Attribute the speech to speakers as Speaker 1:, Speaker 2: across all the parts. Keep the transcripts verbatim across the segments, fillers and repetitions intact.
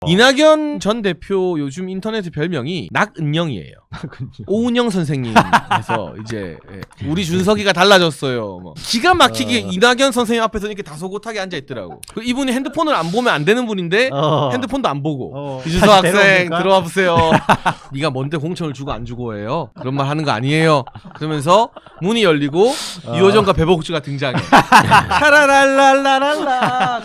Speaker 1: 이낙연 전 대표 요즘 인터넷 별명이 낙은영이에요. 오은영 선생님에서 이제 예, 우리 준석이가 달라졌어요. 뭐. 기가 막히게 어... 이낙연 선생님 앞에서 이렇게 다소곳하게 앉아 있더라고. 이분이 핸드폰을 안 보면 안 되는 분인데 어... 핸드폰도 안 보고 어... 이준석 학생 들어와 보세요. 네가 뭔데 공천을 주고 안 주고 해요? 그런 말 하는 거 아니에요. 그러면서 문이 열리고 어... 유호정과 배복주가 등장해. 차라랄랄라랄라.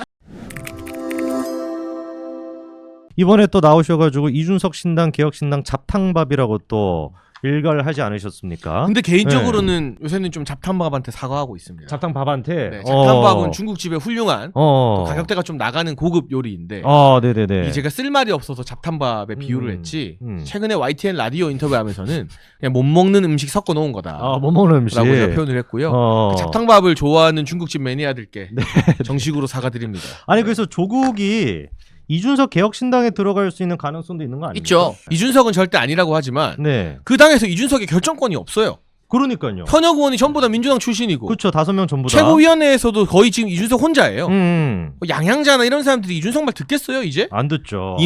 Speaker 2: 이번에 또 나오셔가지고 이준석 신당 개혁신당 잡탕밥이라고 또 일갈 하지 않으셨습니까?
Speaker 1: 근데 개인적으로는 네. 요새는 좀 잡탕밥한테 사과하고 있습니다.
Speaker 2: 잡탕밥한테?
Speaker 1: 네, 잡탕밥은 어. 중국집의 훌륭한
Speaker 2: 어.
Speaker 1: 가격대가 좀 나가는 고급 요리인데
Speaker 2: 어, 네네네.
Speaker 1: 제가 쓸 말이 없어서 잡탕밥에 음, 비유를 했지
Speaker 2: 음.
Speaker 1: 최근에 와이티엔 라디오 인터뷰하면서는 그냥 못 먹는 음식 섞어 놓은 거다.
Speaker 2: 아, 못 먹는 음식
Speaker 1: 라고 제가 표현을 했고요.
Speaker 2: 어.
Speaker 1: 그 잡탕밥을 좋아하는 중국집 매니아들께 네. 정식으로 사과드립니다.
Speaker 2: 아니 그래서 조국이 이준석 개혁신당에 들어갈 수 있는 가능성도 있는 거 아닙니까?
Speaker 1: 있죠. 이준석은 절대 아니라고 하지만
Speaker 2: 네.
Speaker 1: 그 당에서 이준석의 결정권이 없어요.
Speaker 2: 그러니까요.
Speaker 1: 현역 의원이 전부 다 민주당 출신이고
Speaker 2: 그렇죠. 다섯 명 전부 다.
Speaker 1: 최고위원회에서도 거의 지금 이준석 혼자예요.
Speaker 2: 음.
Speaker 1: 양양자나 이런 사람들이 이준석 말 듣겠어요 이제?
Speaker 2: 안 듣죠.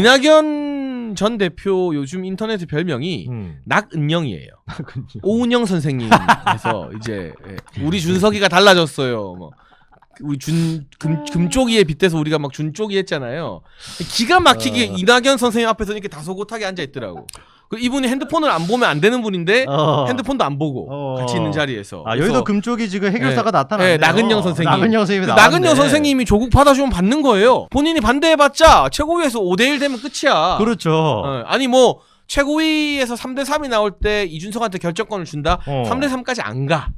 Speaker 1: 이낙연 전 대표 요즘 인터넷 별명이 음. 낙은영이에요. 오은영 선생님에서 이제 우리 준석이가 달라졌어요. 뭐. 우리 준 금, 금쪽이에 빗대서 우리가 막 준쪽이 했잖아요. 기가 막히게 어... 이낙연 선생님 앞에서 이렇게 다소곳하게 앉아 있더라고. 이분이 핸드폰을 안 보면 안 되는 분인데 어... 핸드폰도 안 보고 어... 같이 있는 자리에서.
Speaker 2: 아 여기도 금쪽이 지금 해결사가 네, 나타났네요.
Speaker 1: 네, 낙은영 선생님.
Speaker 2: 낙은영 선생님이
Speaker 1: 낙은영 선생님이 조국 받아주면 받는 거예요. 본인이 반대해봤자 최고위에서 오 대 일 되면 끝이야.
Speaker 2: 그렇죠.
Speaker 1: 어, 아니 뭐. 최고위에서 삼 대 삼이 나올 때 이준석한테 결정권을 준다?
Speaker 2: 어.
Speaker 1: 삼 대 삼까지 안 가.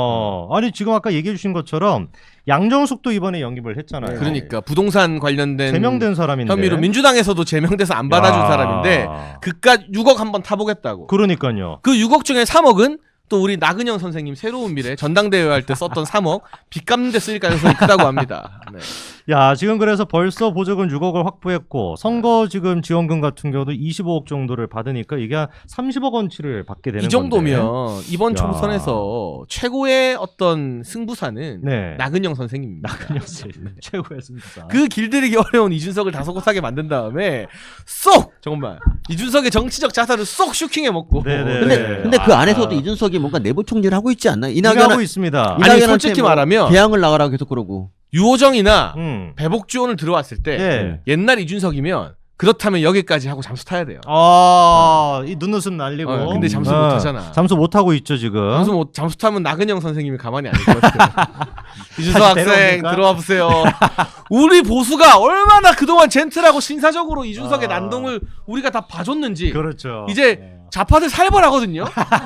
Speaker 2: 어. 아니 지금 아까 얘기해 주신 것처럼 양정숙도 이번에 영입을 했잖아요.
Speaker 1: 그러니까 부동산 관련된
Speaker 2: 제명된 사람인데
Speaker 1: 혐의로 민주당에서도 제명돼서 안 받아준 야. 사람인데 그깟 육억 한번 타보겠다고.
Speaker 2: 그러니까요.
Speaker 1: 그 육억 중에 삼억은 또 우리 나근영 선생님 새로운 미래 전당대회 할 때 썼던 삼억 빚 갚는 데 쓸 가능성이 크다고 합니다. 네.
Speaker 2: 야 지금 그래서 벌써 보조금 육억을 확보했고 선거 지금 지원금 같은 경우도 이십오억 정도를 받으니까 이게 한 삼십억 원치를 받게 되는 건데
Speaker 1: 이 정도면 건데. 이번 야. 총선에서 최고의 어떤 승부사는 네. 나근영 선생님입니다.
Speaker 2: 나근영 선생님 최고의 승부사.
Speaker 1: 그 길들이기 어려운 이준석을 다소곳하게 만든 다음에 쏙 정말 이준석의 정치적 자산을 쏙 슈킹해 먹고.
Speaker 3: 네네. 근데 근데 그 안에서도 아. 이준석이 뭔가 내부 총질을 하고 있지 않나요?
Speaker 2: 이낙연 하고 있습니다.
Speaker 1: 아니 솔직히 뭐 말하면
Speaker 3: 개항을 나가라고 계속 그러고.
Speaker 1: 유호정이나
Speaker 2: 음.
Speaker 1: 배복주 오늘 들어왔을 때
Speaker 2: 네.
Speaker 1: 옛날 이준석이면 그렇다면 여기까지 하고 잠수 타야 돼요.
Speaker 2: 아, 이 눈웃음 날리고.
Speaker 1: 어, 근데 잠수 어. 못 하잖아.
Speaker 2: 잠수 못 하고 있죠 지금.
Speaker 1: 잠수 못 잠수 타면 나근영 선생님이 가만히 안 있을 것 같아요. 이준석 학생 들어와 보세요. 우리 보수가 얼마나 그동안 젠틀하고 신사적으로 이준석의 아. 난동을 우리가 다 봐줬는지.
Speaker 2: 그렇죠.
Speaker 1: 이제 네. 좌파들 살벌하거든요.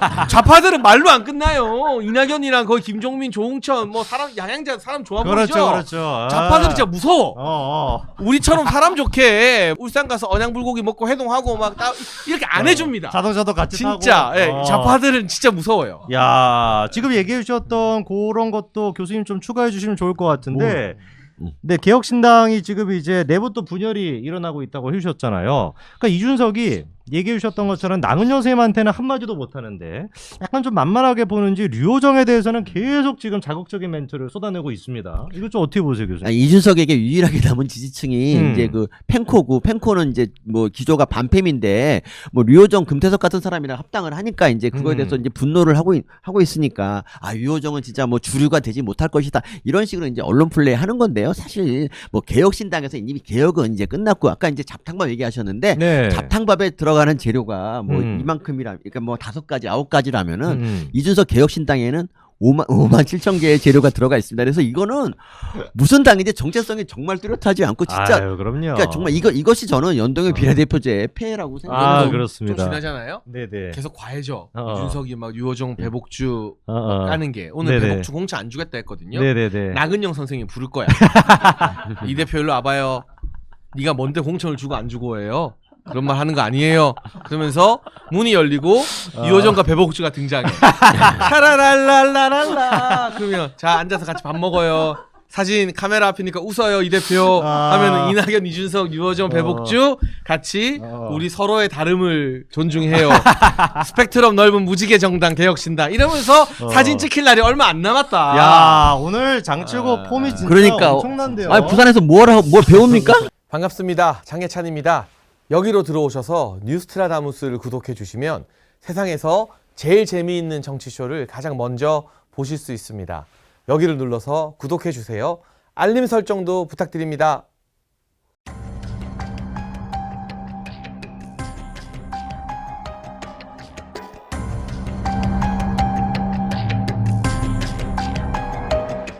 Speaker 1: 좌파들은 말로 안 끝나요. 이낙연이랑 거의 김종민, 조홍천 뭐 사람 양양자 사람 좋아 보이죠.
Speaker 2: 그렇죠, 그렇죠. 아.
Speaker 1: 좌파들이 진짜 무서워.
Speaker 2: 어, 어.
Speaker 1: 우리처럼 사람 좋게 울산 가서 언양 불고기 먹고 해동하고 막 따, 이렇게 안
Speaker 2: 어.
Speaker 1: 해줍니다.
Speaker 2: 자동차도 같이
Speaker 1: 진짜,
Speaker 2: 타고.
Speaker 1: 예,
Speaker 2: 어.
Speaker 1: 좌파들은 진짜 무서워요.
Speaker 2: 야, 지금 얘기해 주셨던 그런 것도 교수님 좀 추가해 주시면 좋을 것 같은데. 뭐. 네, 개혁신당이 지금 이제 내부 또 분열이 일어나고 있다고 해주셨잖아요. 그러니까 이준석이 얘기해 주셨던 것처럼 나은영 선생님한테는 한마디도 못하는데 약간 좀 만만하게 보는지 류호정에 대해서는 계속 지금 자극적인 멘트를 쏟아내고 있습니다. 이거 좀 어떻게 보세요, 교수님?
Speaker 3: 아니, 이준석에게 유일하게 남은 지지층이 음. 이제 그 펜코고 펜코는 이제 뭐 기조가 반팸인데 뭐 류호정, 금태섭 같은 사람이랑 합당을 하니까 이제 그거에 대해서 음. 이제 분노를 하고 있, 하고 있으니까 아 류호정은 진짜 뭐 주류가 되지 못할 것이다 이런 식으로 이제 언론 플레이 하는 건데요. 사실 뭐 개혁신당에서 이미 개혁은 이제 끝났고 아까 이제 잡탕밥 얘기하셨는데 네. 잡탕밥에 들어가 하는 재료가 뭐 음. 이만큼이라 그러니까 뭐 다섯 가지 아홉 가지라면은 음. 이준석 개혁신당에는 오만 오만 칠천 개의 재료가 들어가 있습니다. 그래서 이거는 무슨 당인지 정체성이 정말 뚜렷하지 않고 진짜
Speaker 2: 아유, 그럼요.
Speaker 3: 그러니까 정말 이거 이것이 저는 연동형 비례대표제의 폐해라고 생각합니다.
Speaker 2: 아, 그렇습니다.
Speaker 1: 좀 지나잖아요.
Speaker 2: 네네.
Speaker 1: 계속 과해져.
Speaker 2: 어.
Speaker 1: 이준석이 막 유호정, 배복주
Speaker 2: 어, 어.
Speaker 1: 까는 게 오늘
Speaker 2: 네네.
Speaker 1: 배복주 공천 안 주겠다 했거든요.
Speaker 2: 네네네.
Speaker 1: 나근영 선생님 부를 거야. 이 대표 일로 와봐요. 네가 뭔데 공천을 주고 안 주고 해요? 그런 말 하는 거 아니에요. 그러면서 문이 열리고 어. 유호정과 배복주가 등장해. 차라랄랄라랄라. 그러면 자 앉아서 같이 밥 먹어요. 사진 카메라 앞이니까 웃어요 이 대표. 아. 하면은 이낙연, 이준석, 유호정, 배복주 같이
Speaker 2: 어.
Speaker 1: 우리 서로의 다름을 존중해요. 스펙트럼 넓은 무지개 정당 개혁신당 이러면서 어. 사진 찍힐 날이 얼마 안 남았다.
Speaker 2: 야 오늘 장치고 아. 폼이 진짜
Speaker 3: 그러니까
Speaker 2: 엄청난데요.
Speaker 3: 아니 부산에서 뭘 하고 뭘 배웁니까?
Speaker 1: 반갑습니다. 장혜찬입니다. 여기로 들어오셔서 뉴스트라다무스를 구독해 주시면 세상에서 제일 재미있는 정치쇼를 가장 먼저 보실 수 있습니다. 여기를 눌러서 구독해 주세요. 알림 설정도 부탁드립니다.